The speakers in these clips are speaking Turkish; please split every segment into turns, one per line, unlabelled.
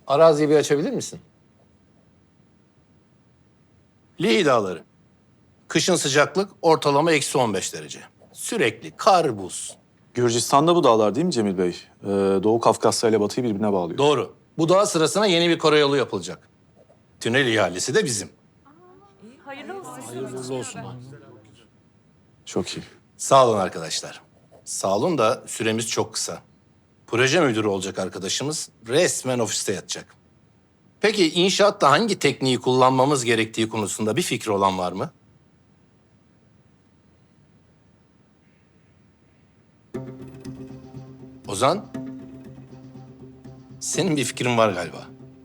Araziyi bir açabilir misin? Lihi Dağları. Kışın sıcaklık ortalama -15 derece. Sürekli kar, buz.
Gürcistan'da bu dağlar değil mi Cemil Bey? Doğu Kafkasya ile Batı'yı birbirine bağlıyor.
Doğru. Bu dağ sırasına yeni bir karayolu yapılacak. Tünel ihalesi de bizim.
Çok iyi.
Sağ olun arkadaşlar. Sağ olun da süremiz çok kısa. Proje müdürü olacak arkadaşımız resmen ofiste yatacak. Peki inşaatta hangi tekniği kullanmamız gerektiği konusunda bir fikri olan var mı? Ozan, senin bir fikrin var galiba.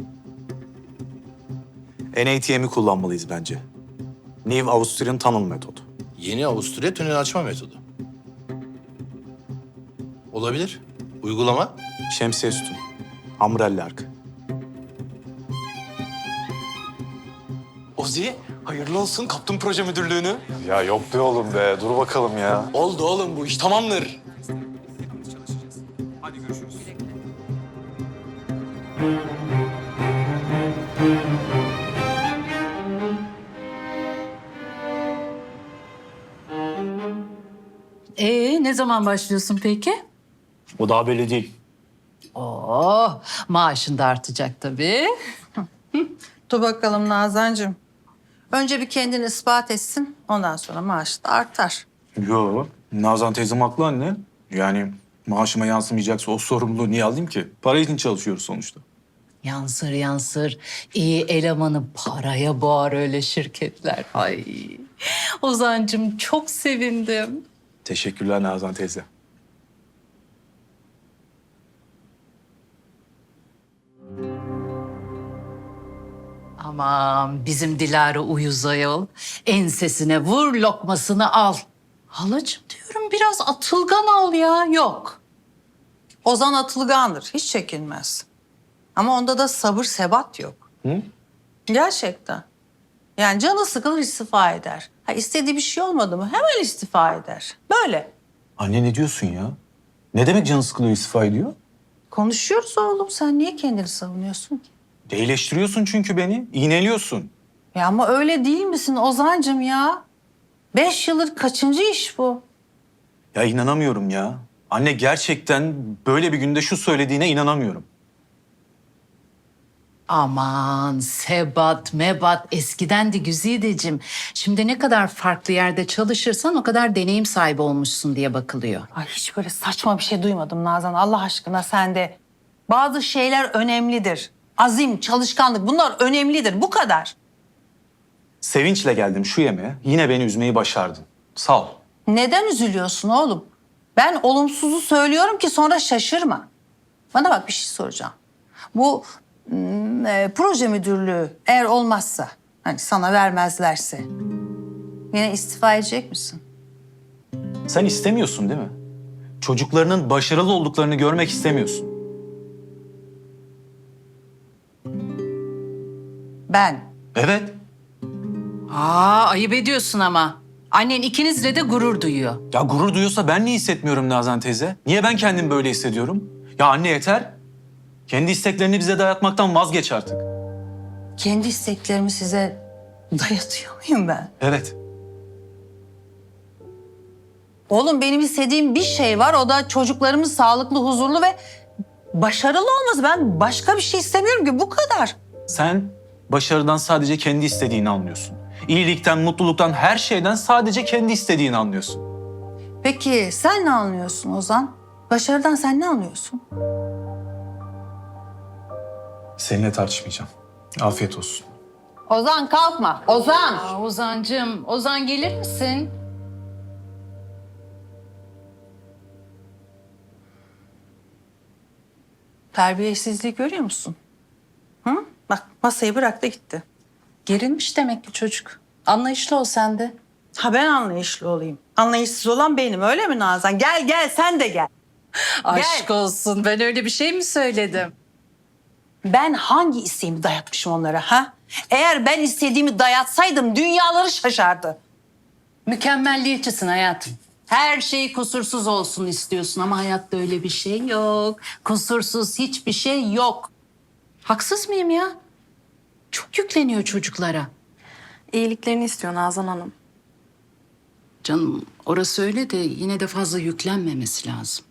NATM'i kullanmalıyız bence. New Austrian Tunnel metodu.
Yeni Avusturya tünel açma metodu. Olabilir. Uygulama?
Şemsiye sütun. Umbrella ark.
Ozi, hayırlı olsun. Kaptın proje müdürlüğünü.
Ya yok be oğlum be. Dur bakalım ya.
Oldu oğlum, bu iş tamamdır.
Ne zaman başlıyorsun peki?
O daha belli değil.
Maaşın da artacak tabii.
Dur bakalım Nazancığım. Önce bir kendini ispat etsin. Ondan sonra maaşı da artar.
Yo. Nazan teyzem haklı anne. Yani maaşıma yansımayacaksa o sorumluluğu niye alayım ki? Para için çalışıyoruz sonuçta.
Yansır yansır. İyi elemanı paraya boğar öyle şirketler. Ay. Ozancığım çok sevindim.
Teşekkürler Nazan teyze.
Aman bizim Dilara uyuz ayol. Ensesine vur lokmasını al. Halacığım diyorum biraz atılgan ol ya. Yok.
Ozan atılgandır. Hiç çekinmez. Ama onda da sabır sebat yok.
Hı?
Gerçekten. Yani canı sıkılır istifa eder. Ha, istediği bir şey olmadı mı hemen istifa eder. Böyle.
Anne ne diyorsun ya? Ne demek canı sıkılıyor istifa ediyor?
Konuşuyoruz oğlum. Sen niye kendini savunuyorsun ki?
Değileştiriyorsun çünkü beni. İğneliyorsun.
Ya ama öyle değil misin Ozancığım ya? 5 yıldır kaçıncı iş bu?
Ya inanamıyorum ya. Anne gerçekten böyle bir günde şu söylediğine inanamıyorum.
Aman sebat mebat eskiden de Güzideciğim. Şimdi ne kadar farklı yerde çalışırsan o kadar deneyim sahibi olmuşsun diye bakılıyor.
Ay hiç böyle saçma bir şey duymadım Nazan. Allah aşkına sen de. Bazı şeyler önemlidir. Azim, çalışkanlık bunlar önemlidir. Bu kadar.
Sevinçle geldim şu yemeğe. Yine beni üzmeyi başardın. Sağ ol.
Neden üzülüyorsun oğlum? Ben olumsuzu söylüyorum ki sonra şaşırma. Bana bak bir şey soracağım. Bu proje müdürlüğü eğer olmazsa, hani sana vermezlerse yine istifa edecek misin?
Sen istemiyorsun değil mi? Çocuklarının başarılı olduklarını görmek istemiyorsun.
Ben.
Evet.
Ayıp ediyorsun ama. Annen ikinizle de gurur duyuyor.
Ya gurur duyuyorsa ben niye hissetmiyorum Nazan teyze? Niye ben kendimi böyle hissediyorum? Ya anne yeter. Kendi isteklerini bize dayatmaktan vazgeç artık.
Kendi isteklerimi size dayatıyor muyum ben?
Evet.
Oğlum benim istediğim bir şey var. O da çocuklarımın sağlıklı, huzurlu ve başarılı olması. Ben başka bir şey istemiyorum ki bu kadar.
Sen başarıdan sadece kendi istediğini anlıyorsun. İyilikten, mutluluktan, her şeyden sadece kendi istediğini anlıyorsun.
Peki sen ne anlıyorsun Ozan? Başarıdan sen ne anlıyorsun?
Seninle tartışmayacağım. Afiyet olsun.
Ozan kalkma. Ozan.
Ozancığım, Ozan gelir misin?
Terbiyesizliği görüyor musun? Hı? Bak masayı bıraktı gitti.
Gerilmiş demek ki çocuk. Anlayışlı ol sen de.
Ha ben anlayışlı olayım. Anlayışsız olan benim öyle mi Nazan? Gel gel sen de gel.
Aşk olsun. Ben öyle bir şey mi söyledim?
Ben hangi isteğimi dayatmışım onlara ha? Eğer ben istediğimi dayatsaydım dünyaları şaşardı.
Mükemmelliyetçisin hayatım. Her şey kusursuz olsun istiyorsun ama hayatta öyle bir şey yok. Kusursuz hiçbir şey yok. Haksız mıyım ya? Çok yükleniyor çocuklara.
İyiliklerini istiyor Nazan Hanım.
Canım orası öyle de yine de fazla yüklenmemesi lazım.